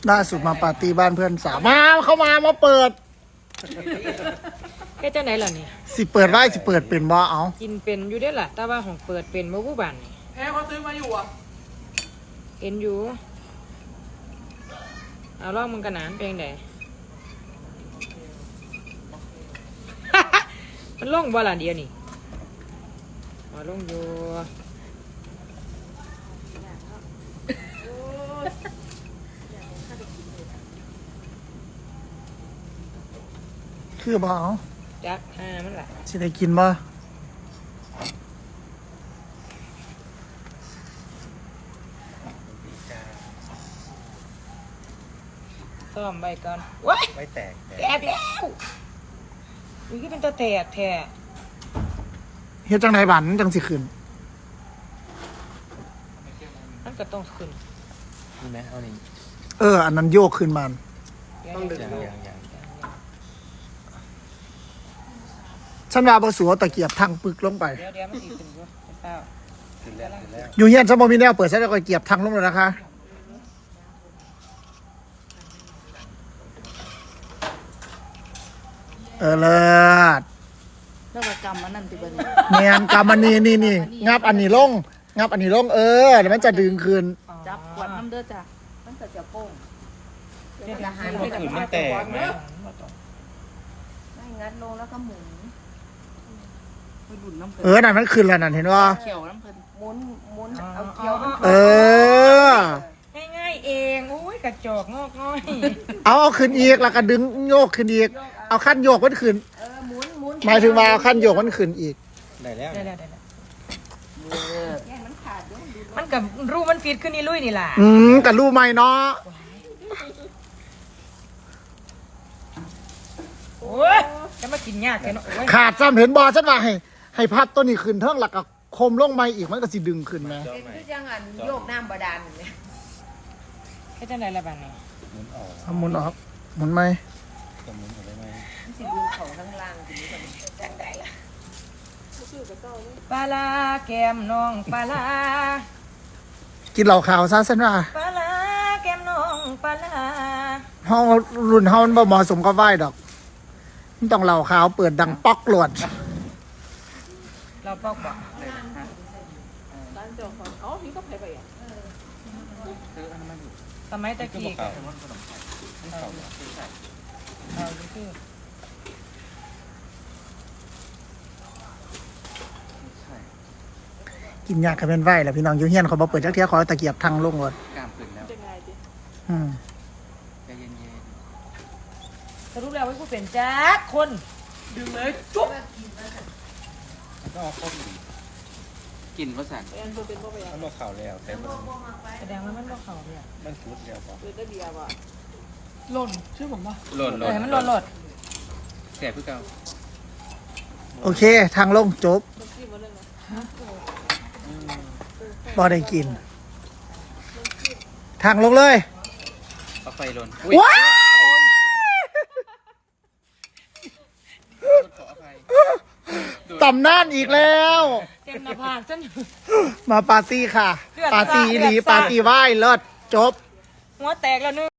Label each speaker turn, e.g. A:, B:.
A: ล่าสุดมาปาร์ตี้บ้านเพื่อนสาวมาเข้ามาเปิด
B: แค่จะไหนล่ะนี่
A: สิเปิดได้สิเปิดเป็นบ่เอา
B: กินเป็นอยู่ได้ล่ะแต่ว่าของเปิดเป็นบ่ผู้บ้านนี่
C: แพ้เขาซื้อมาอยู่อ่ะ
B: เอ็นอยู่เอาลองมึงกันหนานเป็นไง มันลงบ่ล่ะเดียวนี่มาลงอยู่
A: คือบ่เอา
B: จักมันล่ะ
A: สิได้กินบ่
B: ซ่อมใบก่อนว้าย
D: ไม่แตก
B: แล้วอุ้ยก็เป็นตัวแตกแท้
A: เฮ็ดจังไดบันจังสิขึ้น
B: มันก็ต้องขึ้น
D: นี่ไหมเอานี่
A: อันนั้นโยกขึ้นมัน
D: ต้องดึงอย่าง
A: ฉันว่าบ่สูเอาตะเกียบทางปึกลงไป
B: เดี๋ยวมันสิขึ้นอยู่เจ้า
D: ขึ้นแล้ว
A: อยู่เฮียนฉันบ่มีแนวเปิดฉันจะตะเกียบทางลงเลยนะคะเลิศ
C: แล้วก็กำมันนั่นติบัน
A: เนียนกำมันนี่งับอันนี้ลงงับอันนี้ลงเดี๋ยวมันจะดึงคืน
C: จับขวดน้ำเด้อจ้ะมันก็จะโป้ง
D: เมื่อคืนมันแตกไหม
C: ไม่งัดลงแล้วก็หมุนไปดุนน้ำเพลิ
A: นนั่นมันคืนแล้วนั่นเห็นว่า
C: เขียวน้ำเพลินหมุนเอาเขียว
B: ง่ายเองโอ้ยกระจอกงอกง่อย
A: เอาขึ้นอีกแล้วก็ดึงโยกขึ้นอีกเอาขั้นโยกมันขึ้น
C: หมุน
A: หมายถึงว่าเอาขั้นโยกมันขึ้นอีก
D: ได้แล้ว
C: มันขาดด้วย
B: มันกับรูมันฟีดขึ้นนี่ลุยนี่แหละ
A: กับรูใหม่เนาะ
B: โอ้ยจะมากินยากแค่เนาะ
A: ขาดซ้ำเห็นบอฉันว่าให้พับตัวนี้ขึ้นเท่งหลักกับคมลงใหม่อีกมันก็สิดึงขึ้นไหม
C: คือจังอันโยกน้ำบาดาลเนี่ย
B: แค่จังไรละบ้างเนี่ย
A: หมุนออกหมุนไหม
D: หมุนได้ไหม
C: สิดูของข้างล่างทีนี้ก่อนจังได้ละ
B: ปลาแก้มน้องปลา
A: กินเหล่าขาวซะฉันว่า
B: ปลาแก้มน้องปลา
A: ห้องรุ่นห้องมันบ่เหมาะสมกับไหวดอกมันต้องเหล่าขาวเปิดดังป๊อกหลวด
B: เราปอกบอก
C: ร้านเจ้าของนี่ก็ไปอ่ะ
B: สมัยตะกี้
A: กินยากกับเป็นไหวแหละพี่น้องยูเฮียนเขาบอกเปิดจักเทียขอตะเกียบทางลงรถ
D: กล้ามขึ้นแล้วใจเย็น
B: สรุปแล้วว่ากูเป็นแจ๊คคน
C: ดึงเลยจุ๊บ
D: ก็เอาข้อดีกินเพราะสั่นมันบอกข่าวแล้วแต่
B: แสดงว่ามันบอกเขาเนี่ย
D: มันฟุดเดียวพอ
C: ได้เบียร์ป่ะ
B: หล่นชื่อผมป่ะ
D: หล่น
B: มันหล่น
D: แสบเพื่อเก่า
A: โอเคทางลงจบพอได้กินทางลงเลย
D: เอาไฟหล่น
A: ว้าตำนานอีกแล้ว
B: เต็มหน้าผากฉัน
A: มาปาร์ตี้ค่ะปาร์ตี้หลีปาร์ตี้ไหว้เลิศจบ
B: หัวแตกแล้วนึง